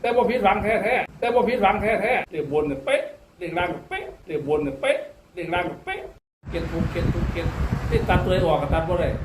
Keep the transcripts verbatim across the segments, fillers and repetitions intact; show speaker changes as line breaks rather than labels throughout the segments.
แต่บ่ผิดหวังแท้ๆแต่บ่ผิดหวังแท้ๆเรียกบนเนี่ยเป๊ะเรียกล่างเป๊ะเรียกบนเนี่ยเป๊ะเรียกล่างเป๊ะเก็บทุกเก็บทุกเก็บที่ตัดตัวออกก็ตัดบ่ได้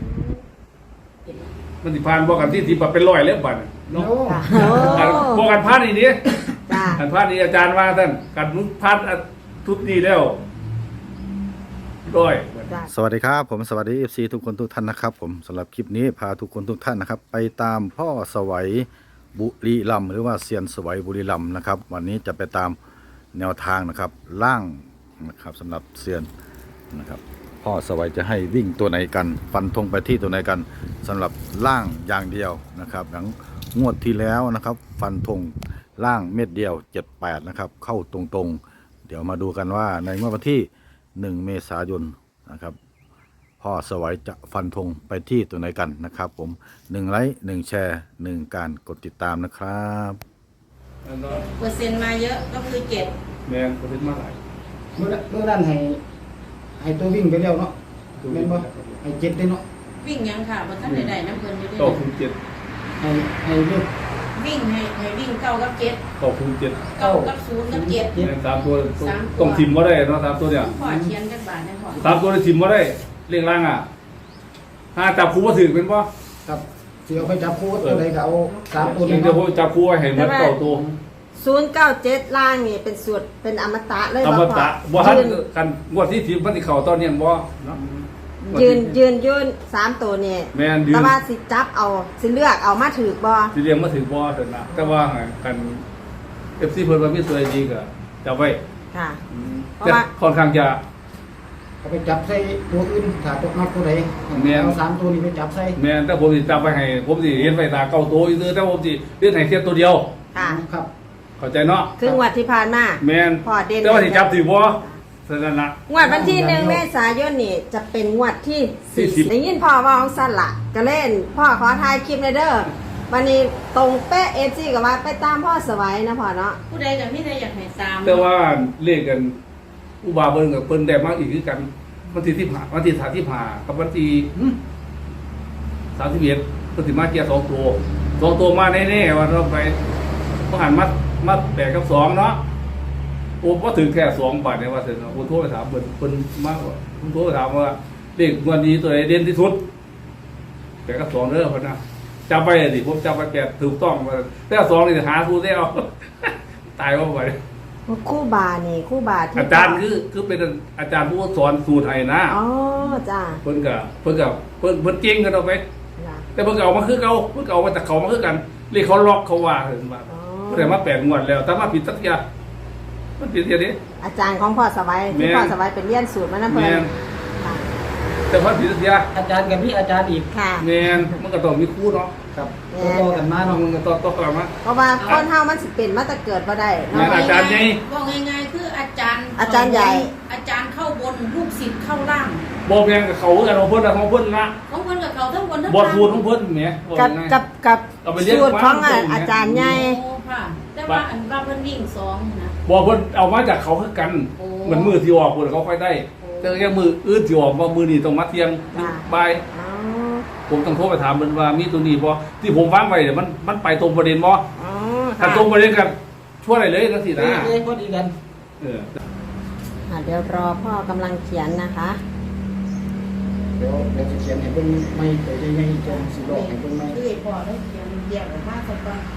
มันสิผ่านบ่กันที่ที่แบบเป็นร้อยแล้วบัดเนาะบ่กันผ่านอีนี้กันผ่านนี้อาจารย์ว่าท่านกันผ่านทุกนี้แล้วร้อย
สวัสดีครับผมสวัสดี เอฟ ซี ทุกคนทุกท่านนะครับผมสำหรับคลิปนี้พาทุกคนทุกท่านนะครับไปตามพ่อสวัยบุรีรัมย์หรือว่าเซียนสวัยบุรีรัมย์นะครับวันนี้จะไปตามแนวทางนะครับล่างนะครับสำหรับเซียนนะครับพ่อสวัยจะให้วิ่งตัวไหนกันฟันธงไปที่ตัวไหนกันสำหรับล่างอย่างเดียวนะครับหลังงวดที่แล้วนะครับฟันธงล่างเม็ดเดียวเจ็ดแปดนะครับเข้าตรงๆเดี๋ยวมาดูกันว่าในงวดวันที่หนึ่งเมษายนนะครับพ่อสวัยจะฟันธงไปที่ตัวไหนกันนะครับผมหนึ่งไลค์หนึ่งแชร์หนึ่งการกดติดตามนะครับ
เปอร์เซ็นต์มาเยอะก็คือเจ็ด
แมนเปอร์เซ็นต์มาหลาย
เมื่อเมื่อด้านให้ให้ตัววิ่งไปแล้วเนาะแม่นบ่ให้เจ็ดได้เนาะ
วิ่งยังค่ะบนท่านใดๆน้ำเพลินอยู่ด้วย
ต่อคูณเจ็ด
ให้ให้เลือก
วิ่งให้ให้วิ่งเก้ากับเจ็ด
ต่อคูณเจ็ด
เก้ากับศูนย์กับเจ็ด
สามตัวต้องทิมว่าได้เนาะสามตัวเนี่ย
พอเทียนกันบาทได้พอ
สามตัวได้ทิมว่าได้เรียงล่างอ่ะถ้าจับคู่ว่าถือเป็นป่ะ
ครับเสียวไปจับคู่ตัวใดก็เอาสามตัว
นี้เดี๋ยวจับคู่ให้เหมือนเก้าตัว
ศูนย์เก้าเจ็ดล่างนี่เป็นสูตรเป็นอมตะเลย
อมตะบ่ทันกันงวดที่ทีมมันสิเข้าตอนนี้บ่เนาะ
ยืนยืนยืนสามตัวนี่
แม่นยืน
แต่ว่าสิจับเอาสิเลือกเอามาถือบ่
สิเรียงมาถือบ่เถิดนะแต่ว่ากัน เอฟ ซี เพิ่นว่ามีตัวดีก็จับไว้
ค่ะ
เพราะว่าค่อนข้างจะ
เอาไปจับใส่ตัวอื่นถ้าตกมาตัวใดเอาสามตัวนี้ไปจับใส่
แม่นแต่ผมสิจับไว้ให้ผมสิเฮ็ดไว้ตาเก้าตัวซื่อแต่ผมสิเฮ็ดให้แค่ตัวเดียว
ค่ะ
ครับ
เข้าใจเนาะ
คืองวดที่ผ่านมา
แม่น
พอเด่น
แต่ว่าสิจับถือบ่ฉะนั้นนะ
งวดวันที่หนึ่งเมษายนนี่จะเป็นงวดที่สี่สิบได้ยินพ่อว่าของสั้นละก็เล่นพ่อขอถ่ายคลิปในเด้อวันนี้ตรงเป๊ะเอฟซีกับว่าไปตามพ่อสวัยนะพ่อเนาะ
ผู้ใดกับพี่ใดอยากให้ตาม
แต่ว่าเลขกันอุบาเบิ่งกับเพิ่นได้มากอีกคือกันวันที่ที่ผ่าวันที่สามที่ผ่ากับวันที่สามสิบเอ็ดเพิ่นสิมาเกียร์สองตัวสองตัวมาแน่ๆว่าเราไปบ่หันมัดมัดแปดกับสองเนาะโอ้ก็ถึงแค่สองบาทเนี่ยว่าเสร็จแล้วผมโทรไปถามเพิ่นเพิ่นมากกว่าผมโทรไปถามว่าเลขวันนี้ตัวไหนเด่นที่สุดแปดกับสองเด้อเพิ่นนะจำไปดิผมจำไปแปดถูกต้องมาแต่สองนี่หาคู่ได้เอาตายว่าไป
คู่บานี่คู่บา
อาจารย์คือคือเป็นอาจารย์ผู้สอนสูตรไทยนะ
อ๋อจ้า
เพิ่นกับเพิ่นกับเพิ่นเพิ่นเก่งกันเอาไปแต่เพิ่นเอามาคือเก่าเพิ่นเอามาจากเขามาคือกันเรียกเขาล็อกเขาว่าเห็นบ่แต่มาแปดงวดแล้วถ้ามาผิดสักอย่างมันผิดอย่างนี้
อาจารย์ของพ่อสวัยที่พ่อสวัยเป็นเรียนสูตรมานั่นเพิ่น
แต่พอผิดสักอย่าง
อาจารย์กับพี่อาจารย์อีก
ค่ะ
แม่นมันก็ต้องมีคู่เนาะ
ครับต่อกันมาเนาะ
มันก็ต่อต่อกันมา
เพราะว่าคนเฮามันสิเป็นมาแต่เกิดบ่ได้
เนาะอาจารย์ใหญ่
ว่าง่ายๆคืออาจารย์
อาจารย์ใหญ่
อาจารย์เข้าบนลูกศิษย์เข้าล่าง
บ่แม่นกับเขากันของเพิ่นของเพิ่นละ
ของเพิ่นกับเขาทั้งบนทั้ง
ล่างบ่
สู
ตรของเพิ่นแหม
กับกับกับสูตรของอาจารย์ใหญ่
ค่ะแต่ว่าอันว่าเพิ่นวิ่งสองนะ
บ่เพิ่นเอามาจากเขาคือกันเหมือนมือที่ออกเพิ่นเขาค่อยได้แต่แค่มืออื่นที่ออกว่ามือนี่ต้องมาเที่ยงบ่ายผมต้องโทรไปถามมันว่ามีตัวนี้บ่ที่ผมวางไว้เนี่ยมันมันไปตรงประเด็นบ่ถ้าตรงประเด็นกันช่วยอะไรเลยนะสินะ
เอ้ยพอดีกัน
เออ
เดี๋ยวรอพ่อกำลังเขียนนะคะ
เดี๋ยวเดี๋ยวจะเขียนให้เพิ่นไม่ไปได้ให้จงสิบอกให้เพิ่นไม่
คือพ่อได้เขียนแยกออกมาซะก่อน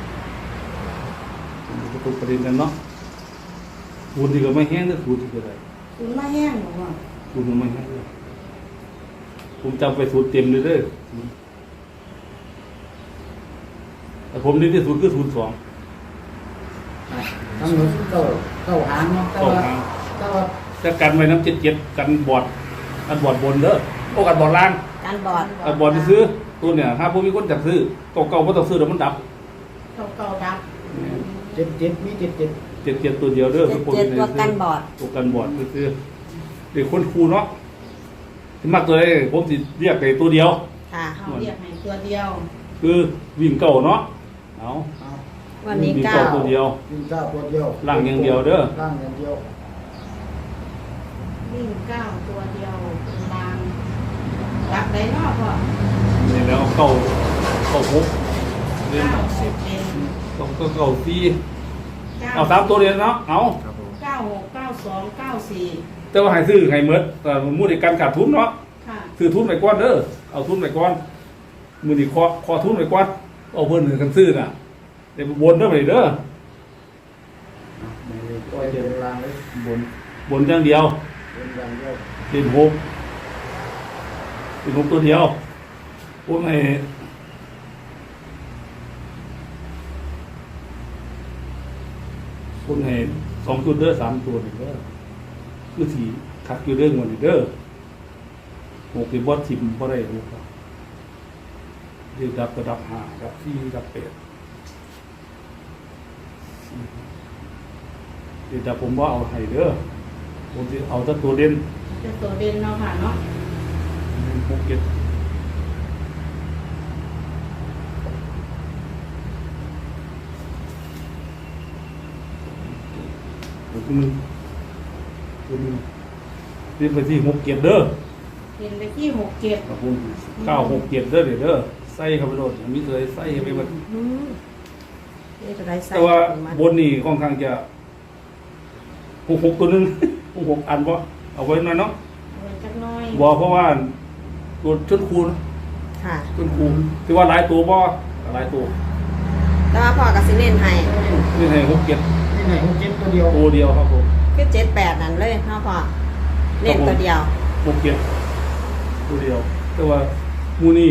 จะตรงประเด็นกันเนาะคูณที่ก็ไม่แห้งเด้อคูณที่ก็ได้
คูณไม่แห้งหรอกว่า
คูณไม่แห้งเลยผมจำไปสูตรเต็มเลยเด้อแต่ผมนี่ที่สูตรคือสูตรสอง
ทั้งหมดเก้าเก้าหางเนาะเก้าหางเก้า
จะกันไว้น้ำเจ็ดเจ็ดกันบอดกันบอดบนเด้อโอ้กันบอดล่าง
กันบอด
กันบอดที่ซื้อตัวเนี่ยถ้าพวกมีคนจับซื้อเก่าเก่าก็ต้องซื้อแล้วมันดับ
เก่าเก่าดับ
เจ็ดเจ็ดมีเจ็ดเจ็ด
เจ็ดเจ็ดตัวเดียวเด้อ
เจ็ดเจ็ดตัวกันบอด
ตัวกันบอดซื้อเด็กคนครูเนาะที่มากเลยผมสิเรียกแต่ตัวเดียว
ค่ะ
เรียกให้ตัวเดียว
คือวิ่งเก่าเนาะเอา
วันนี้เก้า
ตัวเดียว
วิ่งเก้าตัวเดียว
ล่างอย่างเดียวเด้อ
ล่างอย่างเดียว
วิ่งเก้าตัวเดียวเป็นล่างดับได้เนาะพ่อ
นี่แล้วเก้าเก้าหก
เก้าสิบเอ็ด
สองตัวเก่าสี่
เก้า
เอาสามตัวเดียวเนาะเอา
ครับผม
เก้าหกเก้าสองเก้าสี่
แต่ว่าให้ซื้อให้เมดแต่มูลในการขาดทุนเนาะ
ค่ะ
ซื้อทุนไปก่อนเด้อเอาทุนไปก่อนมือนี่คอคอทุนไปก่อนเอาเพิ่นหนึ่งกันซื้อน่ะเดี๋ยวบนเด้อไปเด้อ
ในตัวเดียวลางเลย
บนบนอย่างเดียว
เป็นอย่างเดียว
เป็นหกเป็นหกตัวเดียวพวกไอ้พวกไอ้สองตัวเด้อสามตัวนี่เด้อคือสีคักอยู่เรื่องวันนี้เด้อหกเป็นบอสทิมบ่ได้หกเดี๋ยวดับกระดับห้าดับสี่ดับแปดเดี๋ยวดับผมว่าเอาให้เด้อผมจะเอาแต่ตัวเด่น
เป็นตัวเด่นเนาะค่ะเนาะ
หกเจ็ดคุณคุณเรียนไปที่หกเจ็ดเด้อ
เด่นไปที่หกเจ็ด
ครับผมเก้าหกเจ็ดเด้อเดี๋ยวเด้อใส่เข้าไปโหลดมีเลยใส่เข้าไปหมด
อืมนี่จะได้ใส่
แต่ว่า
มา
บนนี่ค่อนข้างจะหกหกตัวหนึง หกหกอันบ่เอาไว้หน่อยเนาะ
เอาไว้จักหน้อย
บ่เพราะว่าตัวชนคูณ
ค่ะ
ชนคูณที่ว่าหลายตัวบ่หลายตัว
แต่ว่าพ่อกับสิเน้นให้
นี่ให้หกเจ็ด
นี่ไหนหกเจ็ดตัวเดียว
ตัวเดียวครับผม
คือเจ็ดแปดนั่นเลยเนาะพ่อเน้นตัวเดียว
หกเจ็ดตัวเดียว แต่ว่ามูนี่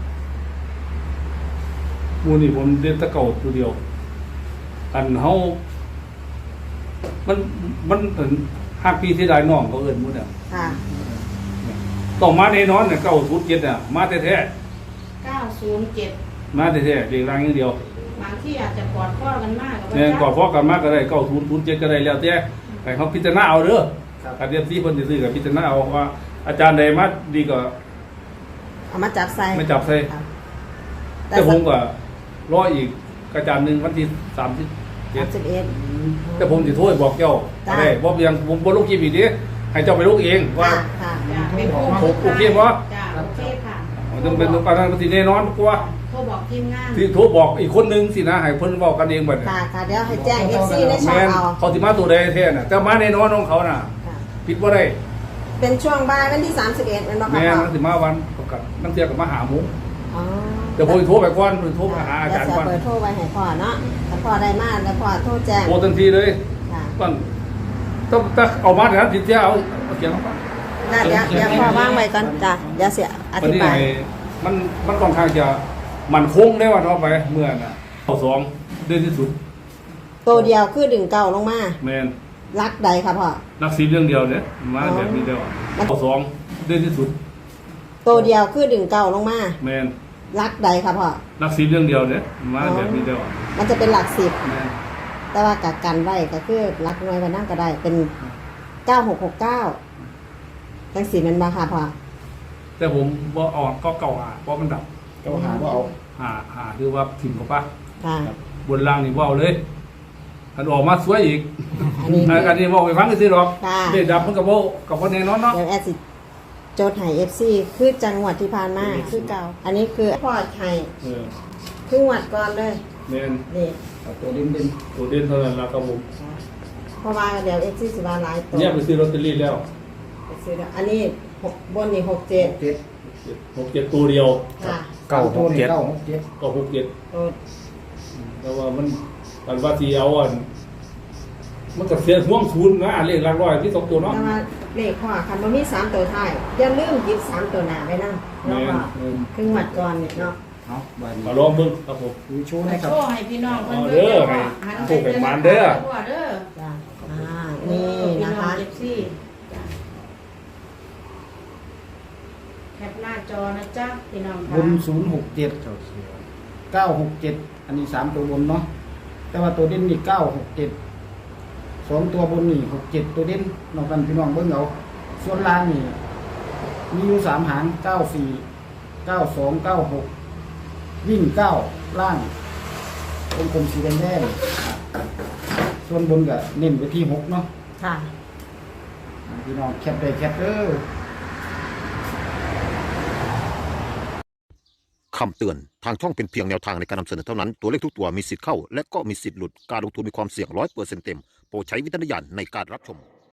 มูนี่ผมเล่นแตะเก่าตัวเดียว อันเฮามันมันเอิ้นห้าปีที่ได้น้องเขาเอิ้นหมูเนี่ย
ค่ะ
ต้องมาแน่นอนเนี่ยเก้าศูนย์เจ็ดเนี่ยมาแท้
เก้าศูนย์เจ็ด
ๆมาแท้ๆเรียงรางอย่างเดียว
บางที่อาจจะกอดข้อกันมากกับ
เนี่ยก่อพอกันมาก็ได้เก้าศูนย์ศูนย์เจ็ดก็ได้แล้วแต่ให้เขาพิจารณาเอาเด้อ
ครับ
การเรียนที่เพิ่นสิซื้อก็พิจารณาเอาว่า อาจารย์ใดมาดีก็
เอามาจับใส่
ไม่จับใส่
ครับ
แต่ผมก็รออีกอาจารย์หนึ่งวันที่สามสิบเจ็ด
สามสิบเอ็ด
แต่ผมสิโทษบอกเจ้า
ได้
ได้บ่ยังผมบ่ลงคลิปอีกดิให้เจ้าไปลงเองว่า
ค่ะค่ะ
จ้ะเป็นโค้ง
โอโอเคบ่
จ้ะโอเคค่ะ
มันต้องเป็นปานนั้นมันสิแน่นอนกว่า
โทรบอกทีมงาน
ที่โทรบอกอีกคนหนึงสินะให้เพิ่นเว้ากันเองบัดนี้
ค่ะค่ะเดี๋ยวให้แจ้งเอฟซีในช่อง
แม่น
เอา
เขาสิมาตัวใดแท้น่ะแต่มาแน่นอนของเขาน่ะ
ค่ะ
ผิดบ่ได้
เป็นช่วงบ่ายวันที่สามสิบเอ็ดเป็นบ่คะ
แม่น
พ่อ
มันสิมาวันประกาศนักเที่ยวก็มาหาหมู
อ๋อ
แต่ผมสิโทรไปก่อนผมโทรมาหาอาจารย์
เดี๋ยว
ก่อน
จะเปิดโทรไปให้พ่อเนาะถ้าพ่อได้มาแล้วพ่อโทรแจ้ง
โทรทันทีเลย
ค่ะ
ต้องต้องถ้าเอามาเดี๋ยวสิเที่ยวเอาเอาเขียนลงไป
ได้เดี๋ยวเดี๋ยวพ่อว่างไว้ก่อนจ้ะเดี๋ยวเสียอ
วัน
ธิ
นี้
บาย
ไอ้มันมันค่อนข้างจะมันคงได้ว่าเท่าไปเมื่อน่ะเอาสองเดือนที่สุด
ตัวเดียวคือดึงเก่าลงมา
แมน
รักใดครับพ่อ
นักสีเรื่องเดียวเนี่ยมา
อ๋อ
แบบนี้เดียวเอาสองเดือนที่สุด
ตัวเดียวคือดึงเก่าลงมา
แมน
รักใดครับพ่อ
นักสีเรื่องเดียวเนี่ยมาแบบนี้เดียว
มันจะเป็นหลักสิบ
แมน
แต่ว่ากักกันไว้ก็คือรักน้อยไปนั่งก็ได้เป็นเก้าหกหกเก้าจังสีมันมาค่ะพ่อ
แต่ผมว่าออกก็เก่าหาเพราะมันดับ
ก็หาว่าเอา
หาหาคือว่าถิ่มกับป้า
ค่ะ
บนล่างนี่ว่าเอาเลยอันออกมาสวยอีก
อันนี้
อันอันนี้บอกไปฟังกันสิหรอก
ค่ะ
เด็ดดับมันกับโบกับพ่อแน่นอนเนาะ
เดี๋ยวแอดสิโจทย์ไห้เอฟซีคือจังหวัดที่ผ่านมาคือเก่า อันนี้คือพ่อไห้
เออ
ครึ่งวัดก่อนเลย
แมน
นี่
เอาตัวเด่นเด่น
ตัวเด่นเท่านั้นละครับผม
เพราะว่าเดี๋ยวเอฟซีสิบาหลายตัว
เนี่ยไปซื้อลอตเตอรี่แล้ว
ไปซื้อแล้วอันนี้หกบนนี่หกเจ็ด
เจ็ด
หกเจ็ดตัวเดียว
ค่ะ
เก้าหกเจ็ด
เก้าหกเจ็ด
ก็หกเจ็ด
ตัว
แต่ว่ามันกันว่าที่เอาอ่ะมันก็เสียห่วงศูนย์นะเลขหลักร้อยที่สองตัวเนาะ
แต่ว่าเลขพ่อคันบ่มีสามตัวท้ายอย่าลืมหยิบสามตัวหน้าไว้นั่ง
แม
แล้ว
น
ก็
เออ
ครึ่งวัดก่อนเนี่ยเนาะ
เอาบาน
มาลองเบิ่งครับผม
ดูโชว์ให้ครับ
โชว์ให้พี่น้องเพิ่น
เอาเด้อให้
หัน
ถูกกันมาเด้อ
ทั่วเด้อ
จ้ะอ่านี่นะคะ
เอฟซีจ้ะแคปหน้าจอนะจ๊ะพี่น้อง
บ
ค่ะ
นศูนย์หกเจ็ดเก้าหกเจ็ดอันนี้สามตัวบนเนาะแต่ว่าตัวเด่นนี่เก้าหกเจ็ดสองตัวบนนี่หกเจ็ดตัวเด่นนอกกันพี่น้องเบิ้งเอาส่วนล่างนี่มีอยู่สามหางเก้าสี่เก้าสองเก้าหกวิ่งเก้าล่างวงกลมสีแดงๆส่วนบนก็เน้นไปที่หกเนาะ
ค่ะ
พี่น้องแคปได้แคปเด้อ
คำเตือนทางช่องเป็นเพียงแนวทางในการนำเสนอเท่านั้นตัวเลขทุกตัวมีสิทธิ์เข้าและก็มีสิทธิ์หลุดการลงทุนมีความเสี่ยงร้อยเปอร์เซ็นต์เต็มโปรดใช้วิจารณญาณในการรับชม